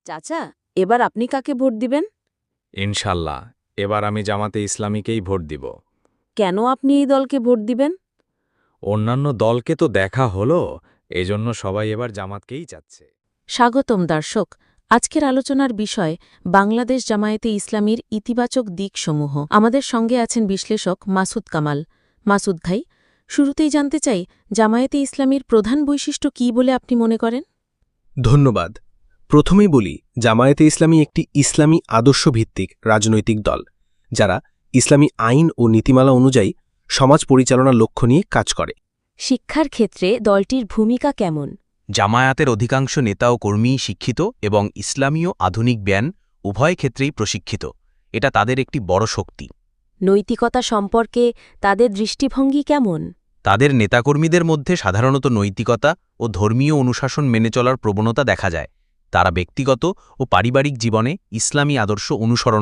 চাচা, এবার আপনি কাকে ভোট দিবেন? ইনশাল্লাহ এবার আমি জামাতে ইসলামীকেই ভোট দিব। কেন আপনি এই দলকে ভোট দিবেন? অন্যান্য দলকে তো দেখা হলো, এজন্য সবাই এবার জামাতকেই চাচ্ছে। স্বাগতম দর্শক। আজকের আলোচনার বিষয় বাংলাদেশ জামায়াতে ইসলামীর ইতিবাচক দিকসমূহ। আমাদের সঙ্গে আছেন বিশ্লেষক মাসুদ কামাল। মাসুদ ভাই, শুরুতেই জানতে চাই, জামায়াতে ইসলামীর প্রধান বৈশিষ্ট্য কী বলে আপনি মনে করেন? ধন্যবাদ। প্রথমেই বলি, জামায়াতে ইসলামী একটি ইসলামী আদর্শভিত্তিক রাজনৈতিক দল, যারা ইসলামী আইন ও নীতিমালা অনুযায়ী সমাজ পরিচালনার লক্ষ্য নিয়ে কাজ করে। শিক্ষার ক্ষেত্রে দলটির ভূমিকা কেমন? জামায়াতের অধিকাংশ নেতা ও কর্মী শিক্ষিত এবং ইসলামীয় আধুনিক জ্ঞান উভয় ক্ষেত্রেই প্রশিক্ষিত। এটা তাদের একটি বড় শক্তি। নৈতিকতা সম্পর্কে তাদের দৃষ্টিভঙ্গি কেমন? তাদের নেতাকর্মীদের মধ্যে সাধারণত নৈতিকতা ও ধর্মীয় অনুশাসন মেনে চলার প্রবণতা দেখা যায়। তারা ব্যক্তিগত ও পারিবারিক জীবনে ইসলামী আদর্শ অনুসরণ